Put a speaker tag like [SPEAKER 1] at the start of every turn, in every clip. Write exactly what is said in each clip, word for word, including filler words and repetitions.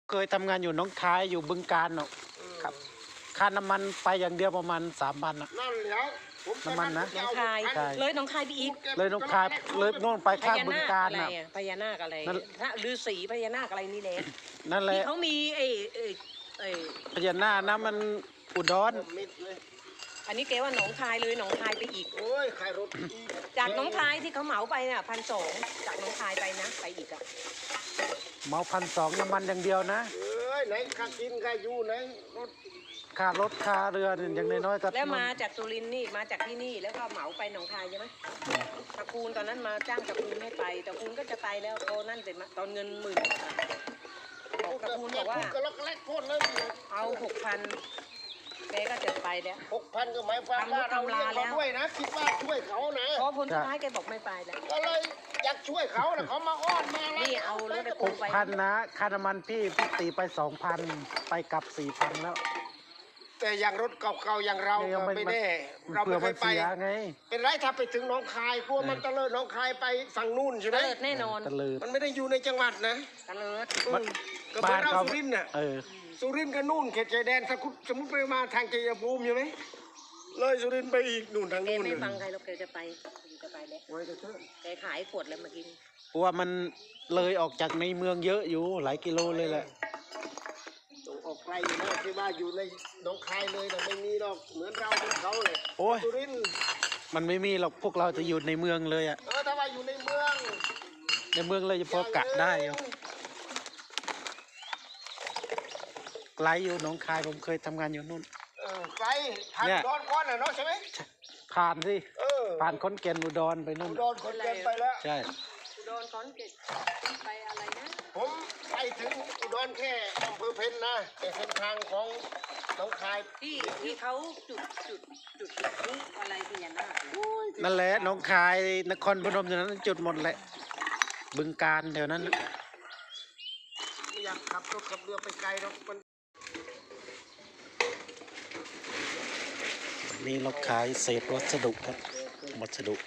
[SPEAKER 1] เคยทำงานอยู่หนองคายอยู่บึงกาฬเนาะครับค่าน้ำมันไปอย่างเดียวประมาณสามพันอะ
[SPEAKER 2] นั่นแล้ว
[SPEAKER 1] น้ำมันนะ
[SPEAKER 3] หนองคาย
[SPEAKER 1] ใช่
[SPEAKER 3] เลยหนองคายไปอีก
[SPEAKER 1] เลยหนองคายเลยโน่นไป
[SPEAKER 3] พ
[SPEAKER 1] ข้าง
[SPEAKER 3] ญา
[SPEAKER 1] บึง
[SPEAKER 3] นาค
[SPEAKER 1] กาฬ
[SPEAKER 3] อะไร
[SPEAKER 1] น่ะ
[SPEAKER 3] อ่ะพญานาคอะไร
[SPEAKER 1] นั่น
[SPEAKER 3] พระฤาษีพญานาคอะไรนี่แหละ
[SPEAKER 1] นั่นแห
[SPEAKER 3] ที่
[SPEAKER 1] ละ
[SPEAKER 3] เขามีไอ้ไอ้ไอ้
[SPEAKER 1] พญานาคนะมันอุดร
[SPEAKER 2] มิดเลย
[SPEAKER 3] อันนี้แกว่าหนองคายเลยหนองคายไปอีก
[SPEAKER 2] โอ้ยขายรถ
[SPEAKER 3] จากหนองคายที่เขาเหมาไปน่ะพันสองจากหนองคายไปนะไปอีกอ่ะ
[SPEAKER 1] เมาพันสองน้ำมันอย่างเดียวนะ
[SPEAKER 2] เอ้ยไหนค่ากินค่าอยู่ไหนรถ
[SPEAKER 1] ค่ารถค่าเรือเนี่ยอย่างน้อยๆก็
[SPEAKER 3] แล้วมาจากสุรินทร์นี่มาจากที่นี่แล้วก็เหมาไปหนองคายใช่ไหมตระกูลตอนนั้นมาจ้างตระกูลให้ไปตระกูลก็จะไปแล้วโตนั่นเสร็จมาตอนเงินหมื่นบอกตระกูลบอกว่า
[SPEAKER 2] ก็ล็อกแรกโคตรเลย
[SPEAKER 3] เอาหกพันแกก็จะไปแล้ว
[SPEAKER 2] หกพันก็หมายความว่าเราเลี้ยงเขาด้วยนะคิดว่าช่วยเขานะ
[SPEAKER 3] พอผลสุดท้ายแกบอกไม่ไปแล้ว
[SPEAKER 2] ก็เลยอยากช่วยเขานะเขามาอ้อนมาอะไร
[SPEAKER 3] นี่เอารถไป
[SPEAKER 1] หกพันนะค่าน้ำมันพี่พี่ตีไปสองพันไปกลับสี่พันแล้ว
[SPEAKER 2] แต่อย่างรถเก่าๆอย่างเรา
[SPEAKER 1] เนี่ย
[SPEAKER 2] ก็
[SPEAKER 1] มัน
[SPEAKER 2] ไม่แน่
[SPEAKER 1] มัน
[SPEAKER 2] เราไม่เคยไป
[SPEAKER 1] เผื่อมันเสียไง
[SPEAKER 2] เป็นไรถ้าไปถึงหนองคายกลัวมันตะเลิดหนองคายไปฝั่งนู่นใช่ไหม
[SPEAKER 3] เลิศแน่นอน
[SPEAKER 1] ตะเลิด
[SPEAKER 2] มันไม่ได้อยู่ในจังหวัดนะ
[SPEAKER 3] ตะเลิศ
[SPEAKER 2] อืมก็เหมือนเราสุรินทร์น่ะ
[SPEAKER 1] เออ
[SPEAKER 2] สุรินทร์ก็นู่นเขตชายแดนสมมุติสมมติไปมาทางชัยภูมิใช่ไหมเลยสุรินทร์ไปอีกนู่นทาง
[SPEAKER 3] แก
[SPEAKER 2] นู่น
[SPEAKER 3] ไม่
[SPEAKER 2] เลย
[SPEAKER 3] ฟังใครหรอกแกจะไปแกจะไปแล้ว
[SPEAKER 2] ไว้ก็เถอะ
[SPEAKER 3] แกขายขวดแล้วเมื่อกี้นี้
[SPEAKER 1] เพราะว่ามันเลยออกจากในเมืองเยอะอยู่หลายกิโลเลยแหละ
[SPEAKER 2] ต้องออกไกลอยู่นะที่ว่าอยู่ในหนองคายเลยแต่ไม่มีหรอกเหมือนเราเหมือนเขาเลย
[SPEAKER 1] โอ้ย
[SPEAKER 2] สุรินทร์
[SPEAKER 1] มันไม่มีหรอกพวกเราจะอยู่ในเมืองเลยอะ
[SPEAKER 2] เออถ้าว่าอยู่ในเมือง
[SPEAKER 1] ในเมืองเลยจะพอกะได้อยู่ไกลอยู่หนองคายผมเคยทำงานอยู่นู่น
[SPEAKER 2] เออไกลผ่าน
[SPEAKER 1] เนี่ย
[SPEAKER 2] อุดอนก้อนน่ะเนาะใช่ไหม
[SPEAKER 1] ผ่านสิ
[SPEAKER 2] เออ
[SPEAKER 1] ผ่านขอนแก่นอุดรไปนู่น
[SPEAKER 2] อุดรคนเกินไปแล้ว
[SPEAKER 1] ใช่
[SPEAKER 3] อุดรขอนแก่นไปอะไรนะ
[SPEAKER 2] ผมไปถึงอุดรแค่อำเภอเพ็ญนะแต่เส้นทางของหนองคาย
[SPEAKER 3] ที่ที่เขาจุดจุดจุดนี้อะไรพญานาค
[SPEAKER 1] นั่นแหละหนองคายนครพนมอยู่นั้นจุดหมดแหละ บึงการแถวนั้นน่ะ
[SPEAKER 2] ไม่อยากขับรถขับเรือไปไกลหรอกมัน
[SPEAKER 1] วันนี้เราขายเศษวัสดุครับวัสดุ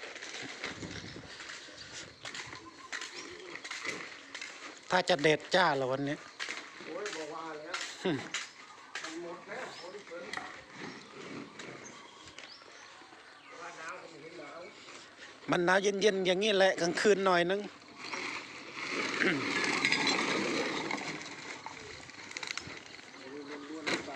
[SPEAKER 1] ถ้าจะเด็ดจ้าเหรอวันนี้
[SPEAKER 2] โอ้ยบอกว่าแล้ว
[SPEAKER 1] หึ
[SPEAKER 2] มันหมดแล้วคนที่เกินว่าหนาวก็ไม่เห็นหนาว
[SPEAKER 1] มันหนาวเย็นๆอย่างนี้แหละกลางคืนหน่อยนึง
[SPEAKER 2] ล้วนๆหรือเปล่า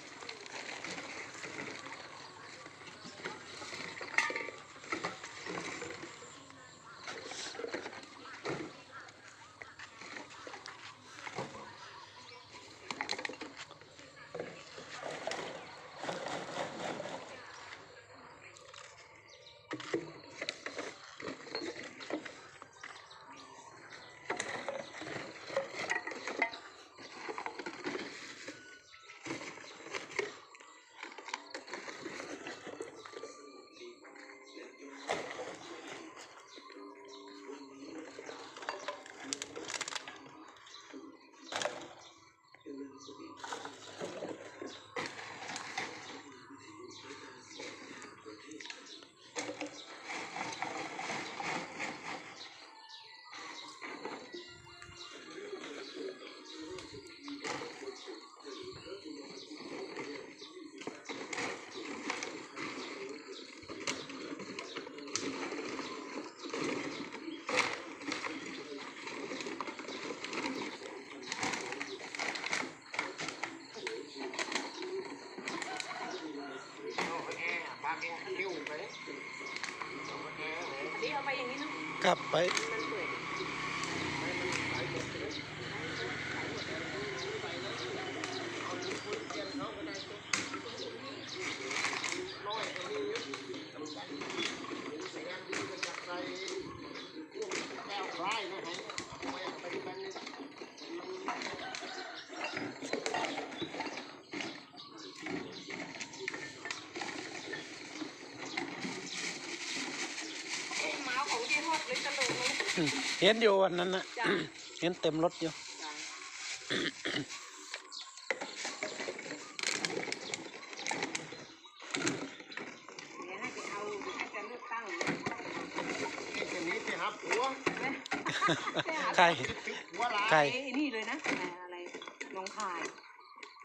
[SPEAKER 2] เอาไปแอร์บางแอร์เร็วไปเอาไปแอร์เลย
[SPEAKER 3] อันนี้เอาไปอย่างนี้เนาะ
[SPEAKER 1] กลับไป
[SPEAKER 3] มันเปื่อย
[SPEAKER 2] เอาคนเกียนเขาก็ได้ตัวน้อยก็มีอยู่จำกัดแสดงดีมาจากใครพวกแก้วคล้ายนะฮะไม่เอาไปดูกันนี่เอ๊ะหมาของเจ๊ฮอดเลยตลกเลย
[SPEAKER 1] อืมเห็นอยู่วันนั้นนะ
[SPEAKER 3] จ้ะ
[SPEAKER 1] เห็นเต็มรถอยู่
[SPEAKER 3] จ้ะเดี๋ยวให้ไปเอาเดี๋ยวให้จะเลือกตั้ง
[SPEAKER 2] ไอ้คนนี้ไปหาผัว
[SPEAKER 3] นะ
[SPEAKER 1] ใคร
[SPEAKER 2] ติดผัวหลาย
[SPEAKER 1] ใคร
[SPEAKER 3] ไอ้นี่เลยนะอะไรร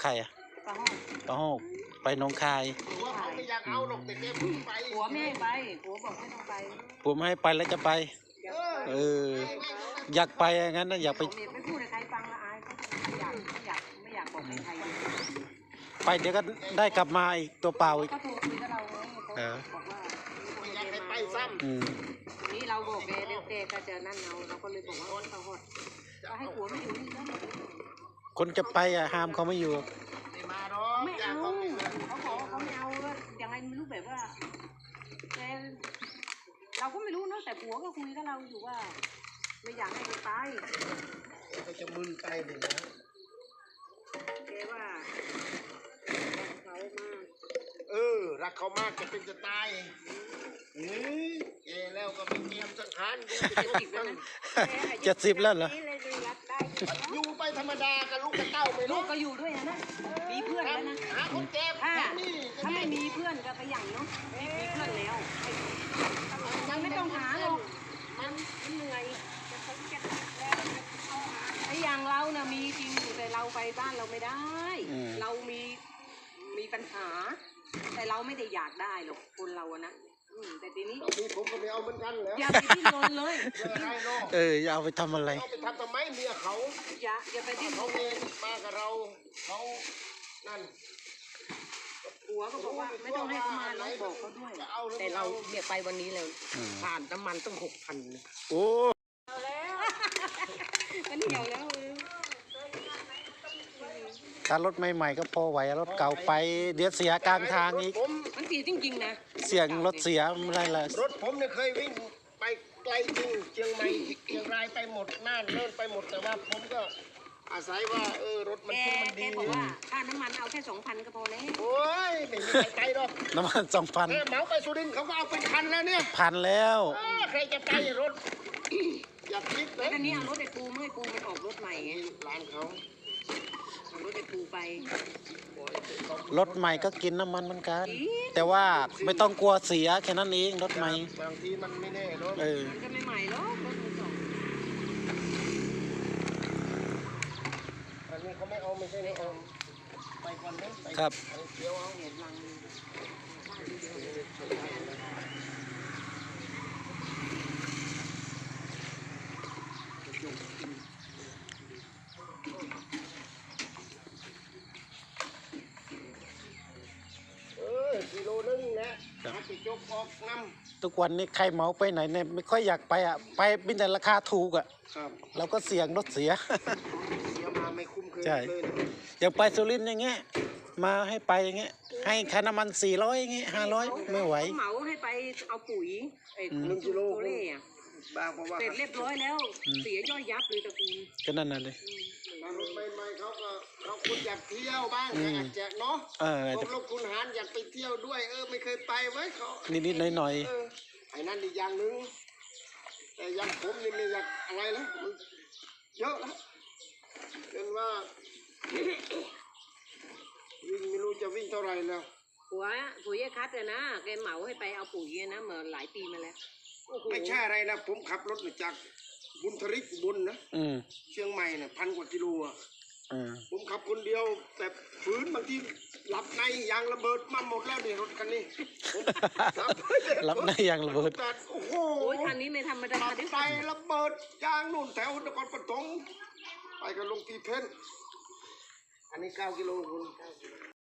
[SPEAKER 1] ใครอ่ะ
[SPEAKER 3] ปะห้อง
[SPEAKER 1] ปะโฮกไปหนองคาย
[SPEAKER 2] หัวเขาไม่อยากเอาหรอกแต่แกพึ่งไป
[SPEAKER 3] ผัวไม่ให้ไปผัวบอกไม่ต้องไป
[SPEAKER 1] ผมให้ไปแล้วจะไป
[SPEAKER 3] เดี๋ยว
[SPEAKER 1] เออ อยากไปอย่างนั้นนะอยากไป
[SPEAKER 3] ผมไม่พูดให้ใครฟังละอายเขาไม่อยากไม่อยากไม่อยากบอกให้ใคร
[SPEAKER 1] ไปเดี๋ยวก็ได้กลับมาอีกตัวเปล่าอีก
[SPEAKER 3] ก็โทรคุยกับเราไงเขา
[SPEAKER 1] เออ
[SPEAKER 3] บอกว่า
[SPEAKER 2] ไม่อยากให้ไปซ้
[SPEAKER 1] อืม
[SPEAKER 3] นี่เราบอกแกเด็กแกก็เจอนั่นเราเราก็เลยบอกว่าเขาหดก็ให้ผัวไม่อยู่นี่แล้ว
[SPEAKER 1] คนจะไปอ่ะห้ามเขาไม่อยู่
[SPEAKER 2] ำไม่มาหรอก
[SPEAKER 3] ไม่
[SPEAKER 2] อยา
[SPEAKER 3] เอา
[SPEAKER 2] กเขาไม่มา
[SPEAKER 3] เขาบอกว่าเขาไม่เอาว่ายังไงไม่รู้แบบว่าแต่เราก็ไม่รู้เนอะแต่ผัวก็คุยกับเราอยู่ว่า ไม่อยากให้ไปตาย
[SPEAKER 2] เขาจะมึนไปเลยนะ
[SPEAKER 3] แกว่าเขามาก
[SPEAKER 2] เออรักเขามากจะเป็นจะตายเฮ้ยแกแล้วก็ไม่เตรียมสังขารกูจะ
[SPEAKER 3] เจ็ด
[SPEAKER 2] เป็น
[SPEAKER 3] สิบแล้วนะ
[SPEAKER 1] เจ็ดสิบแล้วเหรอ
[SPEAKER 2] อยู่ไปธรรมดากับลูกกับเต้าไป
[SPEAKER 3] ลู
[SPEAKER 2] ลู
[SPEAKER 3] ก
[SPEAKER 2] ก
[SPEAKER 3] ก็อยู่ด้วยนะนะมีเพื่อนแล้วนะ
[SPEAKER 2] หาคนเจ็บ
[SPEAKER 3] ถ้า
[SPEAKER 2] นี่
[SPEAKER 3] ถ้าไม่มีเพื่อนก็ไปอย่างเนาะมีมีเพื่อนแล้วมันไม่ต้องหาหรอกมันมันเหนื่อยไอ้อย่างเราน่ะมีจริงอยู่แต่เราไปบ้านเราไม่ได้
[SPEAKER 1] อืม
[SPEAKER 3] เรามีมีปัญหา แต่เราไม่ได้อยากได้หรอกคนเราอะนะอืมแต่ทีนี้
[SPEAKER 2] ตอนนี้ผมก็ไม่เอาเหมือนกันแล้ว
[SPEAKER 3] อย่าไปดิ้นรนเลย
[SPEAKER 2] เจออะไรเนาะ
[SPEAKER 1] เอออย่าเอาไปทำอะไร
[SPEAKER 2] เอาไปทำทำไมเมียเขา
[SPEAKER 3] อย่าอย่าไปดิ้นร
[SPEAKER 2] เขา
[SPEAKER 3] น
[SPEAKER 2] เองมากับเราเขานั่น
[SPEAKER 3] ผัวก็บอกว่าไม่ต้องให้เขามาเราบอกเขาด้วย แต่เราเนี่ยไปวันนี้แล้ว
[SPEAKER 1] อืม
[SPEAKER 3] ผ่านน้ำมันต้องหกพัน
[SPEAKER 1] โอ้
[SPEAKER 3] ก็เหนียวแล้ว
[SPEAKER 1] ถ้ารถใหม่ๆก็พอไหวรถเก่าไป เดี๋ยวเสียกลางทางอีก
[SPEAKER 2] ผม
[SPEAKER 3] มันเสียจริงๆนะ
[SPEAKER 1] เสียงรถเสียไม่ได้ละ
[SPEAKER 2] รถผมเนี่ยเคยวิ่งไปไกลจริงเชียงใหม่เชียงรายไปหมดน่านเลิ่นไปหมดแต่ว่าผมก็อาศัยว่าเออรถมัน
[SPEAKER 3] แก
[SPEAKER 2] ขึ้นมัน
[SPEAKER 3] แก
[SPEAKER 2] ดี
[SPEAKER 3] บอกว่าค่าน้ำมันเอาแค่สองพันก็พอแล้ว
[SPEAKER 2] โอ้ยไม่มีใครไปหรอก
[SPEAKER 1] น้ำมันสองพัน
[SPEAKER 2] เออเหมาไปสุรินทร์เขาก็เอาเป็นคันแล้วเนี่ย
[SPEAKER 1] พันแล้ว
[SPEAKER 2] เออใครจะไปรถ อย่าคิดเล
[SPEAKER 3] แล้ว
[SPEAKER 2] ย
[SPEAKER 3] ตอนนี้เอารถไอ้ปูเมื่อไอ้ปูมันออกรถใหม่ไง
[SPEAKER 2] ร้านเขา
[SPEAKER 3] เอารถไอ้ปูไป
[SPEAKER 1] รถใหม่ก็กินน้ำมันเหมือนกัน
[SPEAKER 3] อี
[SPEAKER 1] แต่ว่าไม่ต้องกลัวเสียแค่นั้นเองรถใหม่
[SPEAKER 2] บางทีมันไม่แน่เนาะ
[SPEAKER 1] เออ
[SPEAKER 3] มันก็ไม่ใหม่หรอกรถมือสอง
[SPEAKER 2] อันนี้เขาไม่เอาไม่ใช่ไม่เอาไปก่อนนะไป
[SPEAKER 1] ครับ
[SPEAKER 2] ไปเดี๋ยวเอา
[SPEAKER 3] เหยียบลัง
[SPEAKER 2] เออกิโลนึงนะหาไปจกออกน้
[SPEAKER 1] ทุกวันนี้ใครเหมาไปไหนเนี่ยไม่ค่อยอยากไปอ่ะ ไปบินแต่ราคาถูกอ่ะ
[SPEAKER 2] ำครับ
[SPEAKER 1] เราก็เสี่ยงรถเสีย
[SPEAKER 2] เสียมาไม่คุ้มเคย
[SPEAKER 1] ใช่
[SPEAKER 2] เลยนะ
[SPEAKER 1] อย่างไปสุรินทร์อย่างเงี้ย มาให้ไปอย่างเงี้ย ให้ค่าน้ำมันสี่ร้อยอย่างเงี้ยห้าร้อยไม่ไหว
[SPEAKER 3] เขาเหมาให้ไปเอาปุ๋ยไอ้
[SPEAKER 1] อืม
[SPEAKER 2] หนึ่งกิโล
[SPEAKER 3] โคเล่อะ
[SPEAKER 2] บางเพราะว่า
[SPEAKER 3] เสร็จเรียบร้อยแล้ว เสียย่อยยับเลยตระกูล
[SPEAKER 1] ก็นั่นน่ะเลย
[SPEAKER 2] มารถใหม่ๆเขาก็เขาคุณอยากเที่ยวบ้าง
[SPEAKER 1] อืม
[SPEAKER 2] อยากจะเนาะ
[SPEAKER 1] เออ
[SPEAKER 2] พวกลูกคุณหารอยากไปเที่ยวด้วย เออไม่เคยไปไว้ยเขา
[SPEAKER 1] นิดๆหน่อย
[SPEAKER 2] เออไอ้นั่นอีกอย่างหนึ่งแต่อยังผมนี่ไม่อยากอะไรแล้วมันเยอะแล้วจนว่า วิ่งไม่รู้จะวิ่งเท่าไหร่แล้ว
[SPEAKER 3] ผัวผัวยายคัดเลยนะแกเหมาให้ไปเอาปุ๋ยอะนะเมื่อหลายปีมาแล้วโอ้โห
[SPEAKER 2] ไม่ใช่อะไรนะผมขับรถมาจากบุญทริกอุบุญนะ
[SPEAKER 1] ๆ อืม
[SPEAKER 2] เชียงใหม่น่ะพันกว่ากิโลอ่ะ
[SPEAKER 1] อืม
[SPEAKER 2] ผมขับคนเดียวแต่ฝืนบางทีหลับในยางระเบิดมาหมดแล้วนี่รถคันนี้ผมขับ
[SPEAKER 1] รับในยางระเบิด
[SPEAKER 2] แต่โอ้โห
[SPEAKER 3] โอ้ยคันนี้ไม่ธรรมดา
[SPEAKER 2] ขับ
[SPEAKER 3] ด้วย
[SPEAKER 2] ไประเบิดยางนู่นแถวนครปฐมไปกันลงตีเพนอันนี้เก้ากิโลคุณ